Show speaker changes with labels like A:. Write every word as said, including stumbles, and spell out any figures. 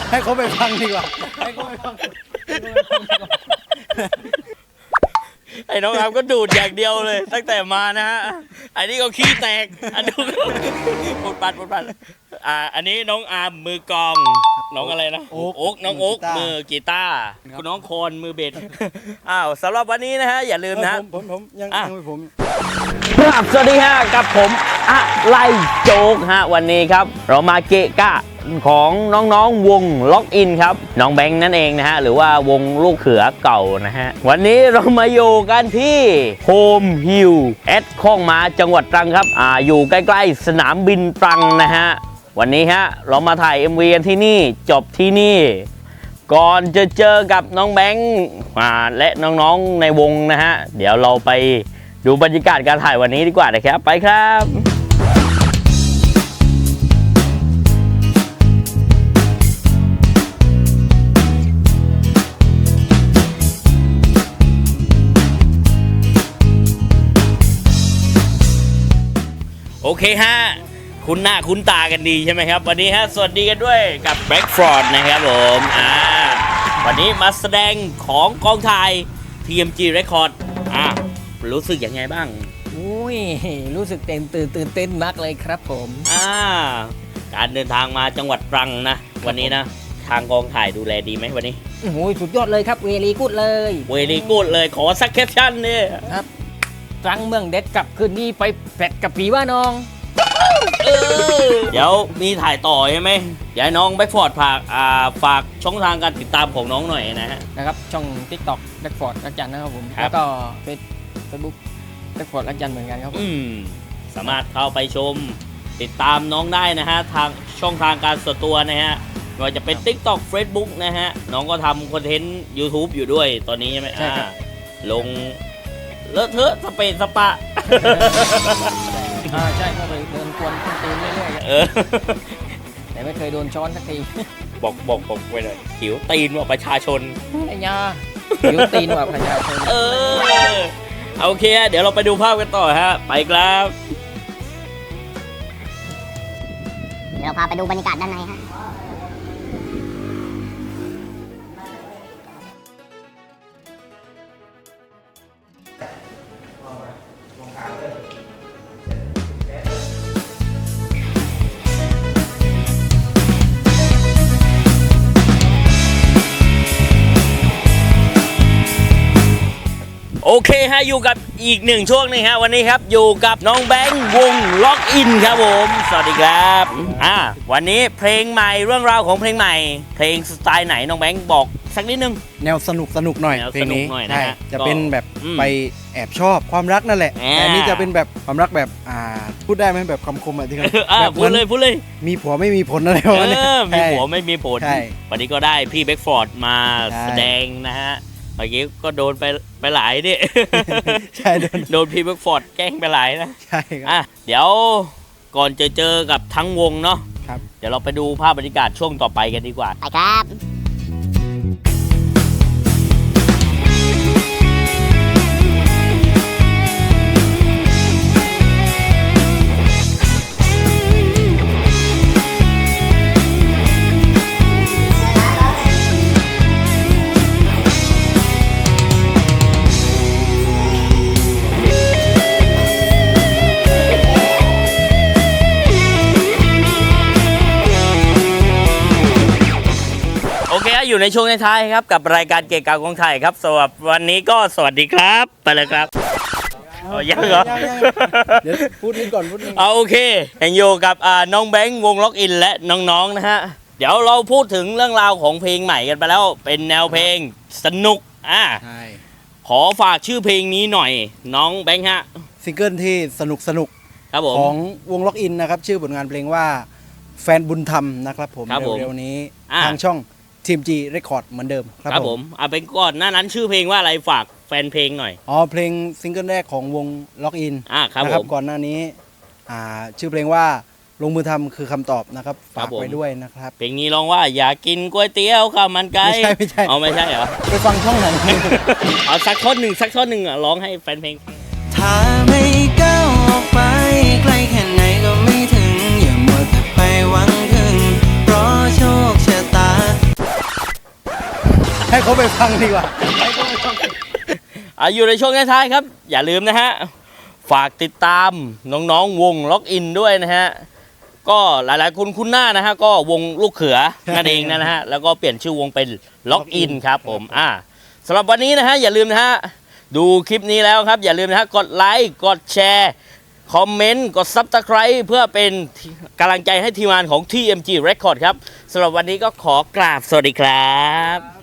A: ให้เขาไปฟังดีกว่าให้เขาไปฟัง
B: ไอ้น้องอาร์มก็ดูดอย่างเดียวเลยตั้งแต่มานะฮะอันนี้ก็ขี้แตกอันนี้ปุดปัดปุดปัดอ่าอันนี้น้องอาร์มมือกลองน้องอะไรนะโอ๊กน้องโอ๊กมือกีตาร์คุณน้องโคนมือเบสอ้าวสำหรับวันนี้นะฮะอย่าลืมนะ
A: ผมผมยังยังไม่ผม
B: ครับสวัสดีฮะกับผมอะไรโจ๊กฮะวันนี้ครับเรามาเกะกะของน้องๆวงล็อกอินครับน้องแบงค์นั่นเองนะฮะหรือว่าวงลูกเขือเก่านะฮะวันนี้เรามาอยู่กันที่โฮมฮิลแอดข้องมาจังหวัดตรังครับอ่าอยู่ใกล้ๆสนามบินตรังนะฮะวันนี้ฮะเรามาถ่าย เอ็ม วี กันที่นี่จบที่นี่ก่อนจะเจอกับน้องแบงค์และน้องๆในวงนะฮะเดี๋ยวเราไปดูบรรยากาศการถ่ายวันนี้ดีกว่านะครับไปครับโอเคฮะคุณหน้าคุณตากันดีใช่ไหมครับวันนี้ฮะสวัสดีกันด้วยกับแบ็กฟรอดนะครับผมอ่าวันนี้มาแสดงของกองถ่าย ที เอ็ม จี Record อ่ารู้สึกยังไงบ้าง
C: อุ้ยรู้สึกเต้นตื่นตื่นเต้นมากเลยครับผม
B: อ่าการเดินทางมาจังหวัดตรังนะวันนี้นะทางกองถ่ายดูแลดีไหมวันนี้
C: โอ้ยสุดยอดเลยครับเวลีกูดเลย
B: เวลีกูดเลยขอสักแคปชั่นเนี่ย
C: ครับตรังเมืองเด็ดกับคืนนี้ไปแปดกับผีว่าน้อง
B: เออเดี๋ยวมีถ่ายต่อใช่ไหมอยากน้องแบ็กฟอร์ดฝากอ่าฝากช่องทางการติดตามของน้องหน่อยนะฮะ
C: นะครับช่อง ติ๊กต็อก แบ็กฟอร์ดรักจันนะครับผมแล้วก็เฟซเฟซบุ๊กแบ็กฟอร์ดรักจันเหมือนกันครับ
B: อืมสามารถเข้าไปชมติดตามน้องได้นะฮะทางช่องทางการส่วนตัวนะฮะไม่ว่าจะเป็น ติ๊กต็อก เฟซบุ๊กนะฮะน้องก็ทำคอนเทนต์ ยูทูบ อยู่ด้วยตอนนี้ใช่ไหม
C: ใช่ครับ
B: ลงเลอะเทอะสเปนสปะ
C: อ่าใช่ก็เลยเดินกวนขึ้นตีนเรื่อยๆแต่ไม่เคยโดนช้อนสักที
B: บอกบอกบอกไว้เลยหิวตีนว่าประชาชน
C: ไอ้ยาหิวตีนว่าประชาชน
B: เออโอเคเดี๋ยวเราไปดูภาพกันต่อฮะไปครับ
D: เดี๋ยวเราพาไปดูบรรยากาศด้านในฮะ
B: โอเคฮะอยู่กับอีกหนึ่งช่วงนึงฮะวันนี้ครับอยู่กับน้องแบงค์วงล็อกอินครับผมสวัสดีครับอ่าวันนี้เพลงใหม่เรื่องราวของเพลงใหม่เพลงสไตล์ไหนน้องแบงค์บอกสักนิดนึง
A: แนวสนุกสนุกหน่อยเพลงนี้
B: ใช่
A: จะเป็นแบบไปแอบชอบความรักนั่นแหละแต่อันนี้จะเป็นแบบความรักแบบอ่าพูดได้ไหมแบบคำคมอะไรที่
B: แบบพูดเลยพูดเลย
A: มีผัวไม่มีผลอะไรวะเนี่ย
B: มีผัวไม่มีผลวันนี้ก็ได้พี่แบ็กฟอร์ดมาแสดงนะฮะเมื่อกี้ก็โดนไปไปหลายดิ
A: ใช่
B: โดนพี่แบ็กฟอร์ดแกล้งไปหลายนะ
A: ใช่ครับ
B: อ่ะเดี๋ยวก่อนจะเจอกับทั้งวงเนาะ
A: ครับ
B: เดี๋ยวเราไปดูภาพบรรยากาศช่วงต่อไปกันดีกว่า
D: ไปครับ
B: อยู่ในช่วงท้ายครับกับรายการเกะกะของไทยครับสำหรับวันนี้ก็สวัสดีครับไปเลยครับยังเหรอ
A: เดี๋ยวพูดนิดก่อนพูดนิด
B: เอาโอเคยังอยู่กับน้องแบงค์วงล็อกอินและน้องๆนะฮะเดี๋ยวเราพูดถึงเรื่องราวของเพลงใหม่กันไปแล้วเป็นแนวเพลงสนุกอ่ะขอฝากชื่อเพลงนี้หน่อยน้องแบงค์ฮะ
A: ซิงเกิลที่สนุกสนุกของวงล็อกอินนะครับชื่อผลงานเพลงว่าแฟนบุญธรรมนะครับผมเร็วๆนี้ทางช่องที เอ็ม จี Record เหมือนเดิม
B: ครับผมเอาเป็นก่อนหน้านั้นชื่อเพลงว่าอะไรฝากแฟนเพลงหน่อย
A: อ๋อเพลงซิงเกิลแรกของวงล็อกอิน
B: อ่าครับ
A: ผมก่อนหน้านี้อ่าชื่อเพลงว่าลงมือทำคือคำตอบนะครับฝากไว้ด้วยนะครับ
B: เพลงนี้ร้องว่าอยากกินก๋วยเตี๋ยวข้าวมันไก่
A: ไม่ใช่ไม่ใช่
B: เอาไม่ใช่เหรอ
A: ไปฟังช่องไหน
B: เอาสักท่อนหนึ่งสักท่อนหนึ่งอ่ะร้องให้แฟนเพลง
E: ถ้าไม่ก้าวออกไปไกลแค่ไหนก็ไม่ถึงอย่ามัวแต่ไปหวังพึ่งเพราะโชคชะตา
A: เขาไปฟังดีกว่า
B: อ่ะอยู่ในช่วงท้ายๆครับ อย่าลืมนะฮะ ฝากติดตามน้องๆวงล็อกอินด้วยนะฮะ ก็หลายๆคนคุ้นหน้านะฮะ ก็วงลูกเขือนั่นเองนะฮะ แล้วก็เปลี่ยนชื่อวงเป็นล็อกอินครับผมอ่าสำหรับวันนี้นะฮะ อย่าลืมนะฮะ ดูคลิปนี้แล้วครับ อย่าลืมนะฮะ กดไลค์กดแชร์คอมเมนต์กด ซับสไครบ์ เพื่อเป็นกำลังใจให้ทีมงานของ ที เอ็ม จี Record ครับสำหรับวันนี้ก็ขอกราบสวัสดีครับ